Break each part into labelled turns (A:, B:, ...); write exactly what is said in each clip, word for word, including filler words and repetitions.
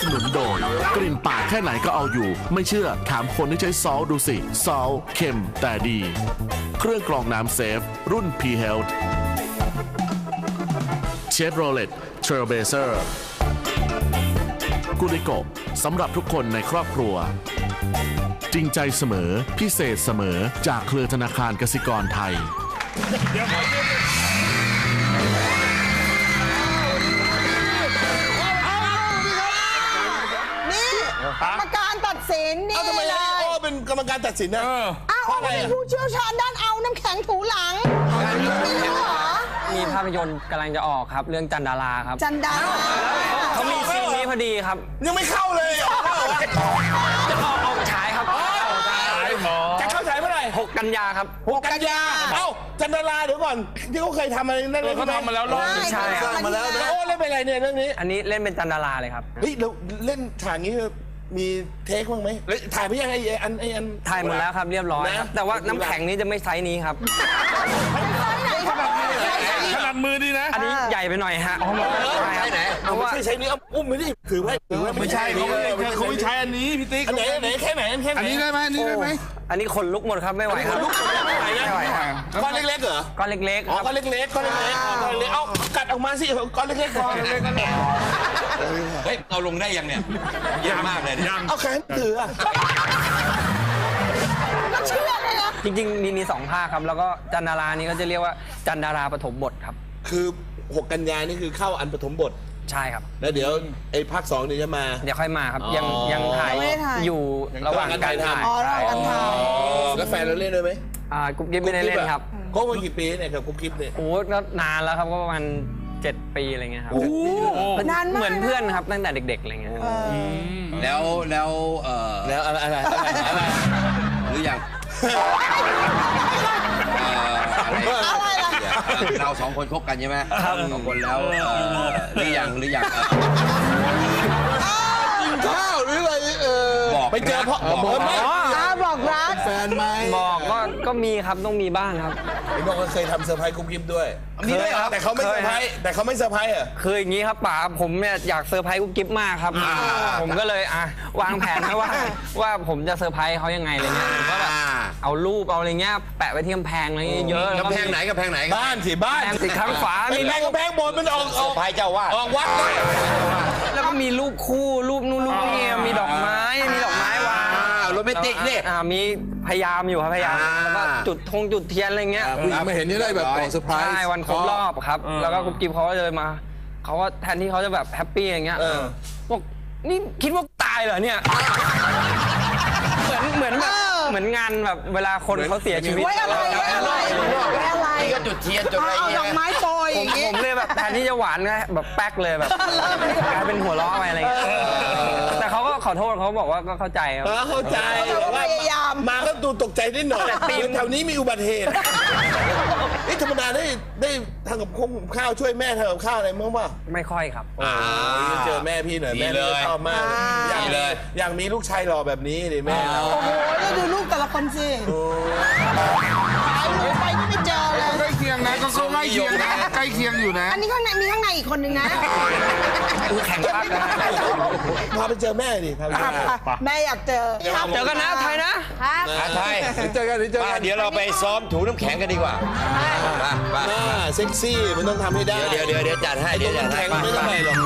A: สนุนโดยกลิ่นปากแค่ไหนก็เอาอยู่ไม่เชื่อถามคนที่ใช้ซอลดูสิซอลเค็มแต่ดีเครื่องกรองน้ำเซฟรุ่น P Health Chevrolet Trailblazer กุลิโกะสำหรับทุกคนในครอบครัวจริงใจเสมอพิเศษเสมอจากเครือธนาคารกสิกรไทย
B: นี่กรรมการตัดสินนี่
C: ทำไม
B: เล
C: ไอ้
B: ย
C: โอ้เป็นกรรมการตัดสินนะ
B: อ้าวเขาเป็นผู้เชี่ยวชาญด้านเอาน้ำแข็งถูหลังไม่รู้เหรอ
D: มีภาพยนตร์กำลังจะออกครับเรื่องจันดาราครับ
B: จันดา
D: เขามีซีนนี้พอดีครับ
C: ยังไม่เข้าเลยออกแล้วเหรอวะ
D: จะออกออกฉายครับ
C: จะเข้าฉายเมื่อไหร่
D: หกกันยาครับ
C: หกกันยาเอ้าจันดาราเดี๋ยวก่อนที่เขาเคยทำอะไรนั่นเลยเขาทำมาแล้วรอบ
D: ใช่ครับ
C: มาแล้วโอ้เล่นเป็นอะไรเนี่ยเรื่องนี้
D: อันนี้เล่นเป็นจันดาราเลยครับ
C: เฮ้ยเราเล่นฉากนี้มีเทคบ้างไหมแล้วถ่ายไปยังไงอันไออัน
D: ถ่ายหมดแล้วครับเรียบร้อยครับ
C: นะ
D: แต่ว่าน้ำแข็งนี้จะไม่ไซส์นี้ครับ
E: ขนาดมือดีนะ
D: อันนี้ใหญ่ไปหน่อยฮะใช่ครับเพราะว่า
C: ไม่ใช่ใช้นี้เอาอุ้มไม่ได้ถือไว้ถือไว้
E: ไม่ใช่เขาไม่เขาไม่ใช้อันนี้พี่ติ๊ก
C: อันไหนอันไหนแค่ไหนแค่ไหน
E: อันนี้ได้ไหมอันนี้ได้ไหม
D: อันนี้ขนลุกหมดครับไม่ไหวครับ
C: ลูกไม่ไหวนะ
D: ไม่ไหวครับ
C: ก้อนเล็กๆเหรอ
D: ก้อนเล็กๆ
C: อ๋อ
D: ครับ
C: ก้อนเล็กๆก้อนเล็กๆก้อนเล็กๆเอากัดออกมาสิก้อนเล็กๆก้อนเล็กๆ
F: เฮ้ยเอาลงได้ยังเนี่ยเยอะมากเลยเนี่ย
C: เอาแขนถืออะ
B: เชื่อเลยนะ
D: จริงๆมีมีสองภาคครับ แล้วก็จันดารานี้ก็จะเรียกว่าจันดาราปฐมบทครับ
C: คือหกกันยานี่คือเข้าอันปฐมบท
D: ใช่ครับ
C: แล้วเดี๋ยวไอ้ภาคสองเดี๋ยวจะมา
D: เดี๋ยวค่อยมาครับ ยัง
C: อ๋อ
D: ยังถ่ายอยู่ระหว่างการถ่าย
B: อ๋อเรากันท
C: แล้วแฟนเราเล่นด้วยไหม
D: อ่ากุ๊บกิ๊บไม่ได้เล่นครับ
C: ก็มากี่ปีเนี่ยกับกุ๊บกิ๊บเนี่ย
D: โอ้ก็นานแล้วครับก็ประมาณเจ็ดปีอะไรเงี้ยครับ
B: ำนานมาก
D: เหมือนเพื่อนครับตั้งแต่เด็กๆอะไรเงี้ยครับ
F: แล้วแล้วเออ
C: แล้วอะไรอะไรอะไรอะไร
F: หรือยังเอ่ออะไร
B: อะไรล่ะ
F: เราสองคนคบกันใช่ไหมสองคนแล้วเอ่อหรือยังหรือยังเอ่อ
C: ข้าวหรืออะไรเออ
F: บอก
C: ไปเจอพ่อ
F: นะ
C: บอกไหม
B: อ้าบอกรัก
C: แฟนไหม
D: บอกก็ก็มีครับต้องมีบ้างครับ
C: ไอ้บอกว่าเคยทำเซอร์ไพรส์กุ๊บกิ๊บด้วย
D: มีด้วยครับ
C: แต่เขาไม่เซอร์ไพรส์แต่เขาไม่เซอร์ไพรส์อ่ะ
D: คืออย่างนี้ครับป๋าผมเนี่ยอยากเซอร์ไพรส์กุ๊บกิ๊บมากครับ ผมก็เลยอ่ะวางแผนนะว่า ว่าผมจะเซอร์ไพรส์เขายังไงอะไรเงี้ยผมก็แบบเอารูปเอาอะไรเงี้ยแปะไว้ที่กำแพงอะไรเงี้ยเยอะแล้ว
F: กำแพงไหนกำแพงไหน
C: บ้านสิบ้าน
D: แพงติดข้างฝา
C: ไม่
D: มี
C: แพงก็แพงบนมันออกออก
F: พายเจ้าว่า
C: ออกวัดเลย
D: แล้วก็มีรูปคู่รูปนู่นรูปนี่มีดอกไม้มีดอกไม้วาง
F: โรแมนติกนี่
D: อ่ามีพยายามอยู่ครับพยายาม
F: อ่า
D: แล้วก็จุดธงจุดเทียนอะไรเงี้ย
E: ผู้หญิงมาเห็นนี่ได้แบบบอกเซอร์ไพรส์
D: ใช่วันครบรอบครับ แล้วก็กุ๊บกิ๊บเขาก็เลยมาเขาก็แทนที่เขาจะแบบแฮปปี้อย่างเงี้ยบอกนี่คิดว่าตายเหรอเนี่ยเหมือนเหมือนแบบเหมือนงานแบบเวลาคนเขาเสียชีวิต
B: ไว้อะไรไว้อะไรไว้อะไร
F: นี่ก็จุดเทียนจุดอะไร
B: เอา
F: เงี้
B: ดอกไม้
F: ย
B: โปรย
D: ผ
B: อ
D: ม
B: ย่างงี้
D: ผมเลยแบบแทนที่จะหวานก็แบบแป๊กเลยแบบกลายเป็นหัวเราะไปอะไรเงี้ยแต่เขาก็ขอโทษเขาบอกว่าก็เข้าใจครับ
C: เออเข้าใจ
B: พยายาม
C: มาก็ดูตกใจนิดหน่อย
D: แต่ตีม
C: แถวนี้มีอุบัติเหตุนี่ธรรมดาได้ได้ทำกับข้าวช่วยแม่ทำกับข้าวอะไรมั้งป่ะ
D: ไม่ค่อยครับ
C: อ่าเจอแม่พี่หน่อยแม่พี่ชอบมากอยากเลยอยากมีลูกชายหล่อแบบนี้ดิแม่เรา
B: โอ้โหแล้วดูรูปแต่ละคนสิหายหนูไปนี่ไม่เจอเลย
E: ใกล้เคียงนะก็ใกล้เคียงนะใกล้เคียงอยู่นะ
B: อันนี้ข้างในมีข้างในอีกคนนึงนะ
D: แข่งพักนะ
C: พาไปเจอแม่ดิพาไปเจอแม่
B: แม่อยากเจอ
D: เจอกันนะไทยนะ
B: ครับ
F: อาไทย
E: เจอกันเจอ
F: มา
E: กัน
F: เดี๋ยวเราไปซ้อมถูน้ำแข็งกันดีกว่ามามา
C: หน้าเซ็กซี่มันต้องทำให้ได้
F: เดี๋ยวเดี๋ยวเดี๋ยวจัดให้เดี๋ยวจัดให้
C: แข่งไม่ต้องไปหรอก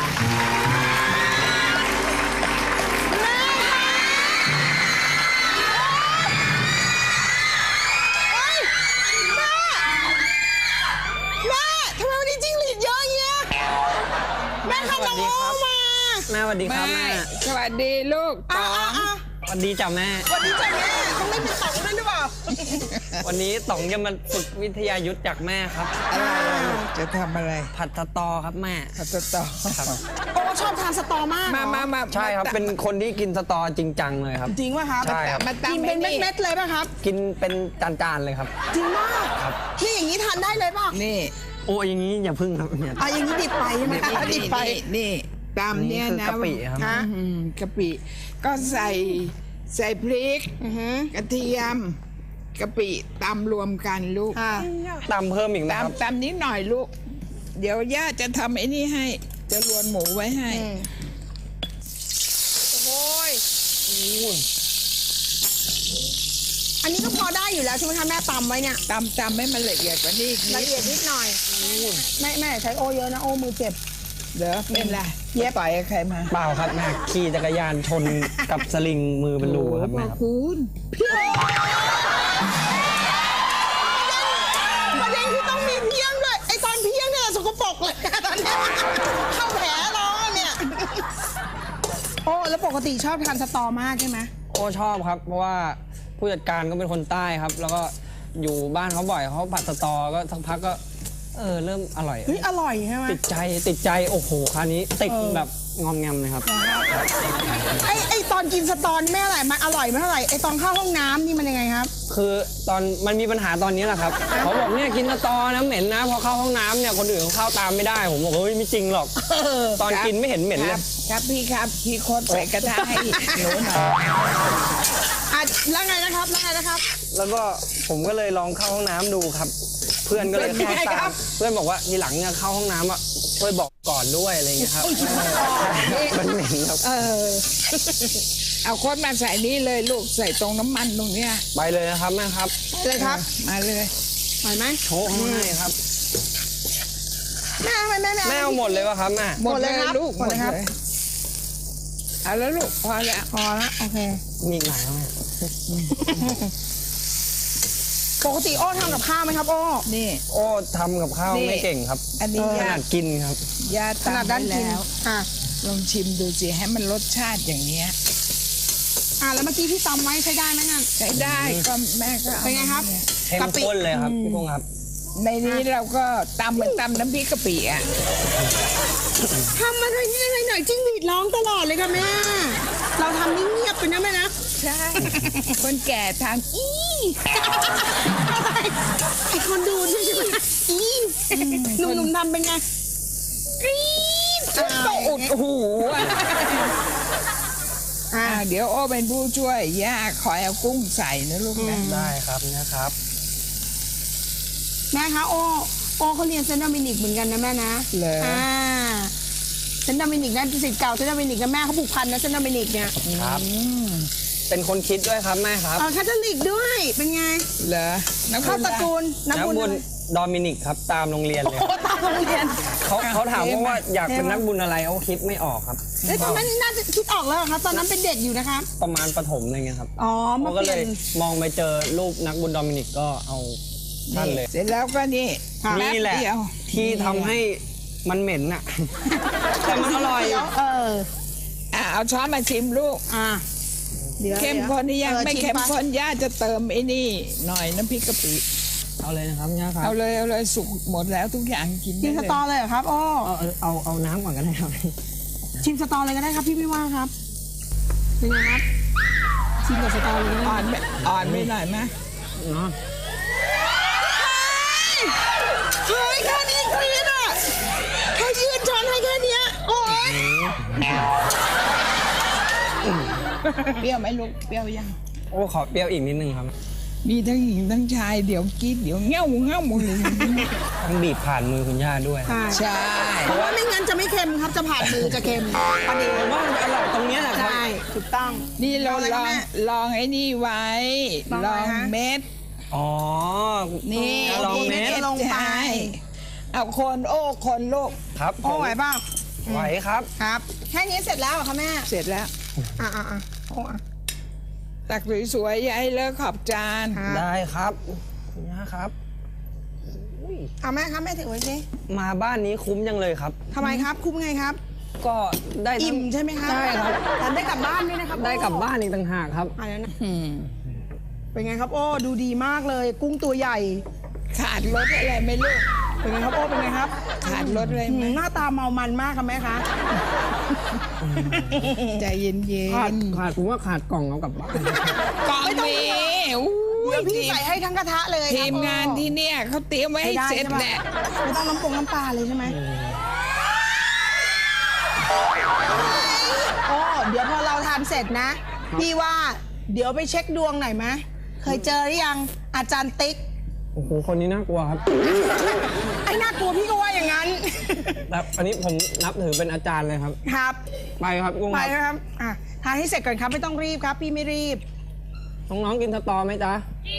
B: แม่ทำไมวันนี้จิ้งหรีดเยอะแยะแม่ค่ะน้องโอมา
D: แม่สวัสดีครับแม่
G: สวัสดีลูก
B: อ่ะอ่ะอ่ะ
D: สวัสดีจ้ะแม่
B: วันนี้จ้ะแม่ต้องเล่นเป็นสองด้วยหรือเปล่า
D: วันนี้ต๋องจะมาฝึกวิทยายุทธจากแม่ครับ
G: อะไรล่ะลูกจะทำอะไร
D: ผัดสตอครับแม่
G: ผัดสตอ
B: โอ้ชอบทานสตอมาก
G: มามามา
D: ใช่ครับเป็นคนที่กินสตอจริงจังเลยครับ
B: จริงป่ะครับ
D: ใช่ครับ
G: มาตั้ง
B: กินเป็นเม็ดๆเลยป่ะครับ
D: กินเป็นจานๆเลยครับ
B: จริงมากนี่อย่างนี้ทานได้เลยป่ะ
G: นี่
D: โอ้ยอย่างนี้อย่าพึ่งครับเนี่ย
B: อ่ะอย่างนี้ดิบไปใช่ไหมคะดิบไป
G: นี่นี่ตามเนี่ย
D: นี่
G: นะ
D: คือกะปิครับ
G: ฮะอืมกะปิก็ใส่ใส่พริกกระเทียมกะปิตำรวมกันลูก
B: ค่ะ
D: ตำเพิ่มอีกนะครับ
G: ตำตำนิดหน่อยลูก เดี๋ยวย่าจะทำไอ้นี่ให้ จะรวนหมูไว้ให้
B: อันนี้ก็พอได้อยู่แล้วใช่ไหมคะแม่ตำไว้เนี่ย
G: ตำตำให้มันละเอียดกว่านี้อีกนิ
B: ละ
G: ด
B: เอียดนิดหน่อยแม่แม่ใช้โอเยอะนะโอมือเจ็บ
G: เดี๋ยวเป็นไรเย็บต่อยกับใครมา
D: เปล่าครับแม่ขี่จักรยานชนกับสลิงมือเป็นรูครับแม่ครับ
G: คุณ
B: ประเด็นคือต้องมีเพียงด้วยไอตอนเพียงเนี่ยสกปรกเลยตอนเนี้ยเข้าแผลร้อนเนี่ยโอ้แล้วปกติชอบทานสตอมากใช่ไหม
D: โอ้ชอบครับเพราะว่าผู้จัดการก็เป็นคนใต้ครับ แล้วก็อยู่บ้านเขาบ่อยเขาผัดสตอก็สักพักก็เออเริ่มอร่อย
B: เฮ้ยอร่อยใช่ไหม
D: ติดใจติดใจโอ้โหคราวนี้ติดแบบงอมแงมเลยครับ
B: ไอไอตอนกินสตอนี่ไม่อร่อยมันอร่อยไม่เท่าไหร่ไอตอนเข้าห้องน้ำนี่มันยังไงครับ
D: คือตอนมันมีปัญหาตอนนี้แหละครับเขาบอกเนี่ยกินสตอนะเหม็นนะพอเข้าห้องน้ำเนี่ยคนอื่นเขาเข้าตามไม่ได้ผมบอกเฮ้ยไม่จริงหรอกตอนกินไม่เห็นเหม็น
G: ค
D: เล
G: รั
D: ย
G: บครับพี่ครับพี่โคตรใส่กระทะให้หนูหน่อย
B: อ่ะแล้วไงนะครับแล้วไงนะครับ
D: แล้วก็ผมก็เลยลองเข้าห้องน้ำดูครับ เพื่อนก็เลยเข้าตามเพื่อนบอกว่าทีหลังเนี่ยเข้าห้องน้ำอ่ะช่วยบอกก่อนด้วยอะไรเงี้ยครับมันเหม็นครับ
G: เออ เอาโคตรมาใส่นี่เลยลูกใส่ตรงน้ำมันตรงเนี้ย
D: ไปเลยนะครับแม่ครับ
B: เลยครับ
G: มาเลย
B: ไหวไหม
D: โชว์ให้ครับ
B: แม่ทำไมแม่ไม่
D: แม่เอาหมดเลยวะครับแม่
G: หมดเลย
B: หมดเลยครับ
G: ลูก
B: หมดเลยครับ
G: เอาแล้วลูกพอแล้ว
B: พอละโอเค
D: มีอีกหลายไหม
B: ปกติโอ้ทำกับข้าวไหมครับโอ้
G: นี่
D: โอ้ทำกับข้าว
G: นี่
D: ไม่เก่งครับ
G: อันนี้
D: ข
G: ยา
D: นาดกินครับ
G: ยา
B: ขนาด
G: ตำ
B: ด้าน
G: ไว้
B: กิน
G: แล้ว
B: ค่ะ
G: ลองชิมดูสิให้มันรสชาติอย่างเงี้ย
B: อ่ะแล้วเมื่อกี้ที่ตำไว้ใช้ได้ไหมนั่น
G: ใช้ได้ก็แม่ก็อา
B: เป็นไงครับ
G: เนี่ย
D: เข้มข้นเลยครับพี่พงษ์ครับ
G: ในนี้เราก็ตำเหมือนตำน้ำพริกกะปิอ่ะ
B: ทำอะไรนี่อะไรหน่อยจิ้งหรีดร้องตลอดเลยค่ะแม่ เราทำนิ่งเงียบไปนะแม่นะ
G: ใช่ คนแก่ทางอี
B: อะไรไอคนดูใช่ไหมอีหนุ่มๆทำเป็นไงกรี๊ด
G: ก็อุดหูอ่ะ
B: อ่ะ
G: อ่าเดี๋ยวโอ้เป็นผู้ช่วยย่าคอยเอากุ้งใส่นะลูกนะ
D: ได้ครับนะครับ
B: แม่คะโอ้โอ้เขาเรียนเซนต์โดมินิกเหมือนกันนะแม่นะ
G: เหรอ
B: อ่าเซนต์โดมินิกนั่นศิษย์เก่าเซนต์โดมินิกนะแม่เขาผูกพันนะเซนต์โดมินิกเนี่ย
D: ครับ เป็นคนคิดด้วยครับแม่ครับ
B: เออคาทอลิกด้วยเป็นไง
G: เหรอน้ำ
B: เข้าตระกูลนัก
D: นัก
B: บุญ
D: บุญดอมินิกครับตามโรงเรียนเลย
B: โอ้ตามโรงเรียน
D: เขาเขาถามว่าว่าอยากเป็นนักบุญอะไรเขาคิดไม่ออกครับ
B: เอ้ยตอนนั้นน่าจะคิดออกแล้วเหรอครับ ตอนนั้นเป็นเด็กอยู่นะครับ
D: ประมาณประถมอะไรเงี้ยครับ
B: อ๋อมา
D: เขาก็
B: เป
D: เล
B: ลี่ย
D: ย
B: น
D: มองไปเจอรูปนักบุญดอมินิกก็เอาท่านเลย
G: เสร็จแล้วก็นี่
D: นี่แหละ
G: ป๊บเดียว
D: ที่ทำให้มันเหม็นน่ะ แต่มันอร่อย
B: เออ
G: อ่ะเอาช้อนมาชิมลูก
B: อ่ะดี๋ยว
G: เข้มข้นนี่ยัง
B: ออ
G: ไม่
B: ชิ
G: เข้ม
B: ปะ
G: ข้นย่าจะเติมไอ้นี่ หน่อยน้ำพริกกะปิ
D: เอาเลยนะครับย่าครับ
G: เอาเลยเอาเลยสุกหมดแล้วทุกอย่างกิน
B: ชิ
G: ได้
B: มส
G: เลย
B: ตอเลยเหรอครับอ้อ
D: เอาเอาเอาเอาน้ำก่อนก็ได้ครับ
B: ชิมสตอเลยก็ได้ครับพี่ไม่ว่าครับเป็นไงครับชิมกับสตอเลยก็
G: อ่อ
B: ได้
G: นไปอ่อนไปหน่อยไหม
D: เนาะ
B: เฮ้ยแค่นี้กรี๊ดอ่ะแค่ยืนช้อนให้แค่เนี้ยโอ้ย
G: เปรี้ยวไหมลูกเปรี้ยวยัง
D: โอ้ขอเปรี้ยวอีกนิดนึงครับ
G: มีทั้งหญิงทั้งชายเดี๋ยวกินเดี๋ยวเงี้ยวเงี้ยวหมดเลย
D: ต้องบีบผ่านมือคุณย่าด้วย
B: ใช่
G: ใช่
B: เพราะว่าไม่งั้นจะไม่เค็มครับจะผ่านมือจะเค็มปนเอง
D: ผมว่ามันอร่อยตรงเนี้ยแหละครับ
B: ใช่ถูกต้อง
G: นี่เรา
B: เอาเลย
G: ล
B: ครับ
G: อง
B: แม่
G: ลองไอ้นี่ไว้
B: ลอง
G: ล
B: อะไร
G: อง
B: ฮะ
G: เม็ด
D: อ๋อ
G: นี่
D: ลองเม็ด
B: ลงไป
G: ใช่เอาคนโอ้คนลูก
D: ครับผ
B: โอ้
D: ม
B: ไหวเปล่า
D: ไหวครับ
B: ครับ แค่นี้เสร็จแล้วเหรอคะแม่
G: เสร็จแล้ว
B: อ่ะอ่ะอ่ะโอ้อ่ะ
G: ตักสวยๆอย่าให้เลอะขอบจาน
B: ครับ
D: ได้ครับคุณย่าครับ
B: เอาแม่ครับแม่ถือไว้สิ
D: มาบ้านนี้คุ้มยังเลยครับ
B: ทำไมครับคุ้มไงครับ
D: ก็ได้ทั้ง
B: อิ่มใช่ไหมครับ
D: ใช่ครับ
B: แถมได้กลับบ้านด้วยนะครับ
D: ได้กลับบ้านอีกต่างหากครับ
B: อะไรนะ
G: อืม
B: เป็นไงครับโอ้ดูดีมากเลย กุ้งตัวใหญ่
G: ขาดรสอะไรไหม่ลูก
B: เป็นไงครับโอ้เป็นไงครับ
G: ขาดรสอะไร
B: อื
G: ไหม
B: มหน้าตาเมามันมากค่ะแม่คะ
G: ใจเย็น
D: ขาด
G: ๆ
D: ขาดผมว่าขาดกล่องเอากลับบ้าน
G: กล่องมีอู้
B: เดี๋
G: ย
B: ยวพี่
G: ทีม
B: ใส่ให้ทั้งกระทะเลยครับ
G: ทีมงานที่เนี่ยเขาเตรียมไว้ให้
B: ได้
G: เสร็จ
B: ใช่ปะ
G: แหละ
B: ไม่ต้องน้ำปงน้ำปลาเลยใช่ไหมโอ้เดี๋ยวพอเราทานเสร็จนะ พี่ว่าเดี๋ยวไปเช็คดวงหน่อยไหมเคยเจอหรือยังอาจารย์ติ๊ก
D: โอ้โหคนนี้น่ากลัวครับ
B: ไอ้น่ากลัวพี่ก็ว่าอย่างนั้น
D: แบบอันนี้ผมนับถือเป็นอาจารย์เลยครับ
B: ครับ
D: ไปครับกุ้ง
B: ไป
D: ครับ
B: นะครับอ่ะทานให้เสร็จก่อนครับไม่ต้องรีบครับ พี่ไม่รีบ
D: น้องๆกินสตอไหมจ๊ะ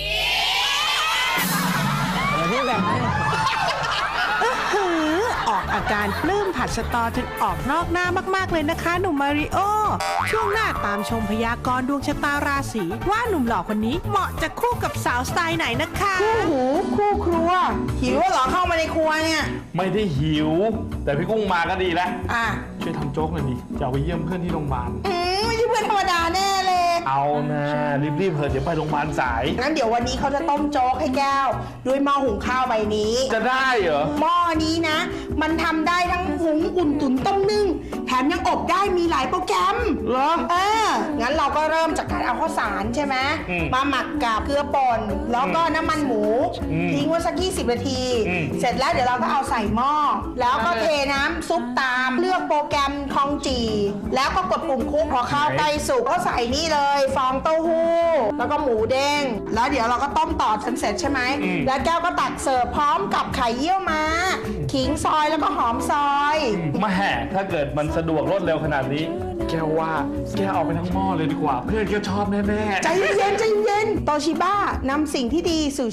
D: เดี๋ยวพี่แบ่งให้
H: หือออกอาการปลื้มผัดสตอจนออกนอกหน้ามากๆเลยนะคะหนุ่มมาริโอ ช่วงหน้าตามชมพยากรณ์ดวงชะตาราศีว่าหนุ่มหล่อคนนี้เหมาะจะคู่กับสาวสไตล์ไหนนะคะ
B: คู่หูคู่ครัว หิวเหรอเข้ามาในครัวเนี่ย
I: ไม่ได้หิว แต่พี่กุ้งมาก็ดีแล้ว
B: อ่ะ
I: ช่วยทำโจ๊กหน่อยดิจะเอาไปเยี่ยมเพื่อนที่โรงพยาบาล
B: อืมไม่ใช่เพื่อนธรรมดาแน่เลย
I: เอานะรีบๆเถอะเดี๋ยวไปโรงพยาบาลสาย
B: งั้นเดี๋ยววันนี้เขาจะต้มโจ๊กให้แก้ว ด้วยหม้อหุงข้าวใบนี้
I: จะได้เหรอ
B: หม้อนี้นะ มันทำได้ทั้งหุงอุ่นตุ๋นต้มนึ่งแถมยังอบได้มีหลายโปรแกรม
I: เหรอ
B: เออ งั้นเราก็เริ่มจากการเอาข้าวสารใช่ไหม
I: อืม
B: มาหมักกับเกลือป่นแล้วก็น้ำมันหมู
I: อืม
B: ทิ้งไว้สักยี่สิบนาที
I: อืม
B: เสร็จแล้วเดี๋ยวเราก็เอาใส่หม้อ แล้วก็เทน้ำซุปตามเลือกโปรแกรมทองจีแล้วก็กดปุ่มคลุกพอข้าวใกล้สุกก็ใส่นี่เลย ฟองเต้าหู้ แล้วก็หมูเด้งแล้วเดี๋ยวเราก็ต้มต่อจนเสร็จใช่ไหมแล้วแก้วก็ตักเสิร์ฟพร้อมกับไข่เยี่ยวม้าขิงซอยแล้วก็หอมซอย
I: มาแห่ถ้าเกิดมันสะดวกรวดเร็วขนาดนี้ แกว่าแกเอาไปทั้งหม้อเลยดีกว่า เพื่อนแกชอบแน่ๆ
B: ใจเย็นใจเย็นโตชิบ้านำสิ่งที่ดีสู่